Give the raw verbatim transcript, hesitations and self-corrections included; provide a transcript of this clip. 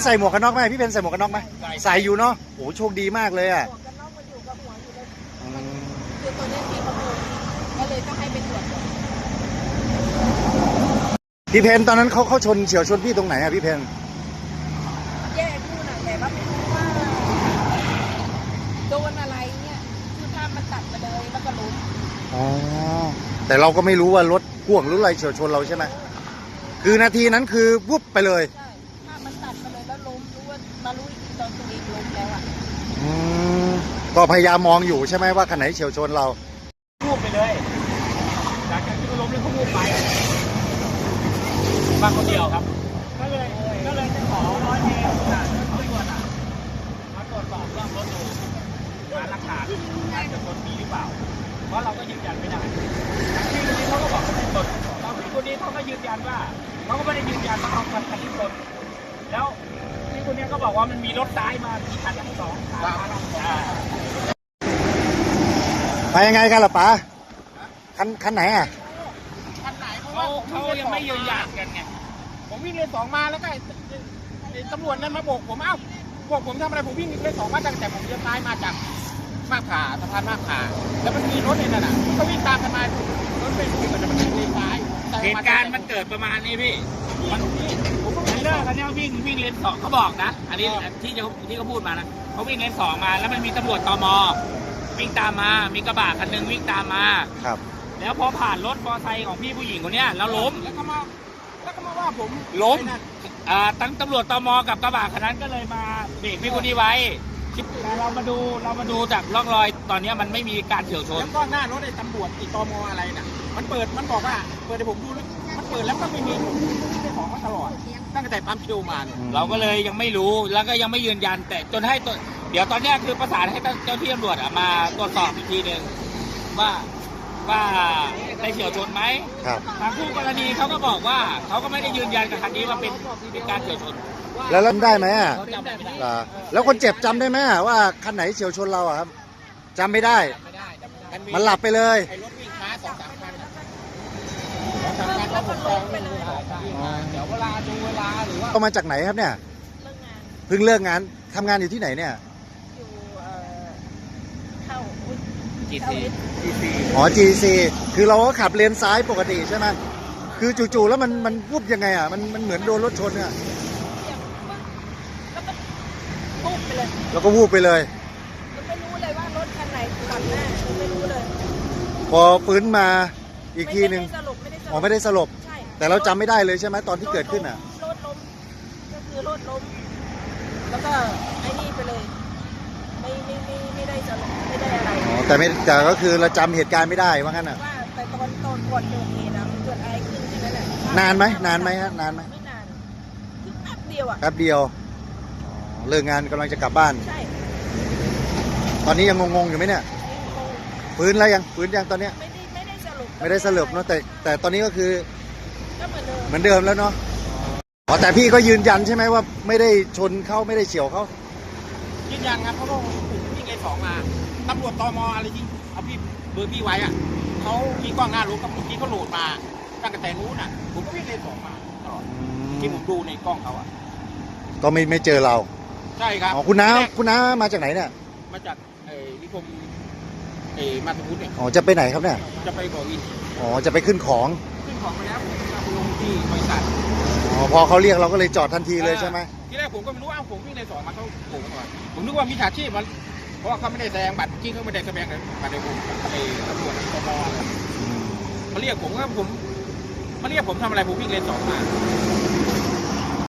ใส่หมวกกันน็อกไหมพี่เพนใส่หมวกกันน็อกไหมใส่อยู่เนาะโอ้โชคดีมากเลยอ่ะคือตัวนี้ที่เขาโดนก็เลยต้องให้ไปตรวจพี่เพนตอนนั้นเขาเขาชนเฉียวชนพี่ตรงไหนอะพี่เพนแยกคู่น่ะแต่ว่าไม่รู้ว่าโดนอะไรเนี่ยคือภาพมันตัดมาเลยแล้วก็ล้มอ๋อแต่เราก็ไม่รู้ว่ารถพ่วงหรืออะไรเฉียวชนเราใช่ไหมคือนาทีนั้นคือวุบไปเลยใช่ภาพมันตัดมาเลยแล้วล้มรู้ว่ามารู้อีกทีตอนตัวเองล้มแล้วอ่ะอืมก็พยายามมองอยู่ใช่ไหมว่าคันไหนเฉียวชนเราวูบไปเลยจากการที่ล้มแล้วเขาวูบไปมาคนเดียวครับก็เลยก็เลยจะขอร้อยเมตรจากตำรวจอ่ะมาตรวจสอบเรื่องรถดูหาหลักฐานการจะชนมีหรือเปล่าเพราะเราก็ยืนยันไม่ได้ที่คนนี้เขาก็บอกว่าไม่ชนตอนที่คนนี้เขาก็ยืนยันว่าเขาก็ไม่ได้ยืนยันว่าเขาคันที่ชนแล้วที่คนนี้ก็บอกว่ามันมีรถซ้ายมาที่คันที่สองไปยังไงกันล่ะป๋าคันคันไหนอ่ะคันไหนเขาเขายังไม่ยืนยันกันไงผมวิ่งเลนสองมาแล้วก็ตำรวจนั้นมาโบกผมเอ้าโบกผมทำอะไรผมวิ่งเลนสองมาตั้งแต่ผมเลี้ยวซ้ายมาจากมาขาสะพานมาขาแล้วมันมีรถในนั้นน่ะก็วิ่งตามกันมารถเป็นมันจะมันเลนซ้ายเหตุการณ์มันเกิดประมาณนี้พี่มันผมก็ไม่เลิกกันเนี่ยวิ่งวิ่งเลนสองเขาบอกนะอันนี้ที่ที่เขาพูดมานะเขาวิ่งเลนสองมาแล้วมันมีตำรวจตม.วิ่งตามมามีกระบะคันหนึ่งวิ่งตามมาครับแล้วพอผ่านรถมอเตอร์ไซค์ของพี่ผู้หญิงคนนี้แล้วล้มแล้วก็มาแล้วก็มาว่าผมล้มอ่าตั้งตำรวจตม.กับกระบะคันนั้นก็เลยมาเบรกพี่คนนี้ไว้แต่เรามาดูเรามาดูจากร่องรอยตอนนี้มันไม่มีการเฉี่ยวชนแล้วก็หน้ารถไอ้ตำรวจติดตม.อะไรน่ะมันเปิดมันบอกว่าเปิดให้ผมดูมันเปิดแล้วก็ไม่มีไม่ของมาตลอดตั้งแต่ปั๊มเชลมาเราก็เลยยังไม่รู้แล้วก็ยังไม่ยืนยันแต่จนให้ตัวเดี๋ยวตอนนี้คือประสานให้เจ้าที่ตำรวจมาตรวจสอบอีกทีหนึ่งว่าว่าได้เฉี่ยวชนไหมครับทางคู่กรณีเขาก็บอกว่าเขาก็ไม่ได้ยืนยันกับคันนี้ว่าเป็นเป็นการเฉี่ยวชนแล้วจำได้ไหมอ่ะแล้วคนเจ็บจำได้ไหมว่าคันไหนเฉี่ยวชนเราอ่ะครับจำไม่ได้มันหลับไปเลยไอ้รถวิ่งช้าสองสามคันสองสามคันแล้วผมจองไม่เลยเดี๋ยวเวลาดูเวลาหรือว่าเขามาจากไหนครับเนี่ยเพิ่งเลิกงานทำงานอยู่ที่ไหนเนี่ยอยู่เข้าจีซีอ๋อ จี ซี คือเราก็ขับเลนซ้ายปกติใช่ไหมคือจู่ๆแล้วมันมันวุบยังไงอ่ะมันมันเหมือนโดนรถชนเนี่ยแล้วก็วูบไปเลยไม่รู้เลยว่ารถคันไหนตัดหน้าไม่รู้เลยพอฟื้นมาอีกทีหนึ่งอ๋อไม่ได้สลบแต่เราจำไม่ได้เลยใช่ไหมตอนที่เกิดขึ้นอ่ะรถล้มก็คือรถล้มแล้วก็ไอ้นี่ไปเลยไม่ไม่ไม่ไม่ได้สลบไม่ได้อะไรอ๋อแต่ไม่แต่ก็คือเราจำเหตุการณ์ไม่ได้ว่างั้นอ่ะว่าแต่ตอนตอนก่อนเกิดเหตุนะมันเกิดอะไรขึ้นใช่ไหมล่ะนานไหมนานไหมฮะนานไหมไม่นานคือแป๊บเดียวอ่ะแป๊บเดียวเลิกงานกำลังจะกลับบ้านใช่ตอนนี้ยังงงๆอยู่ไหมเนี่ยฟื้นแล้วยังฟื้นยังตอนเนี้ยไม่ได้ไม่ได้สรุปไม่ได้สรุปเนาะแต่แต่ตอนนี้ก็คือก็เหมือนเดิมเหมือนเดิมแล้วเนาะอ๋อแต่พี่ก็ยืนยันใช่ไหมว่าไม่ได้ชนเขาไม่ได้เฉี่ยวเขายืนยันครับเพราะว่าผมวิ่งเลนสองมาตำรวจตม.อะไรยิงเอาพี่เบอร์พี่ไว้อ่ะเขามีกล้องหน้ารถกับเมื่อกี้เขาโหลดมาตั้งแต่นู้นอ่ะผมก็วิ่งเลนสองมาตลอดที่ผมดูในกล้องเขาอ่ะก็ไม่ไม่เจอเราใช่ครับอ๋อคุณน้าคุณน้ามาจากไหนเนี่ยมาจากไอ้นิคมไอ้มาตุพุทธเนี่ยอ๋อจะไปไหนครับเนี่ยจะไปบ่อวินอ๋อจะไปขึ้นของขึ้นของไปแล้วผมจะไปลงที่บริษัทอ๋อพอเขาเรียกเราก็เลยจอดทันทีเลยใช่ไหมที่แรกผมก็ไม่รู้ว่าผมวิ่งในสองมาเขาโผล่ก่อนผมนึกว่ามีฉาชีพมันเพราะว่าเขาไม่ได้แสดงบัตรจริงเขาไม่ได้แสดงบัตรในผมไอ้ตำรวจตม.เขาเรียกผมก็ผมเขาเรียกผมทำอะไรผมวิ่งเลนสองมา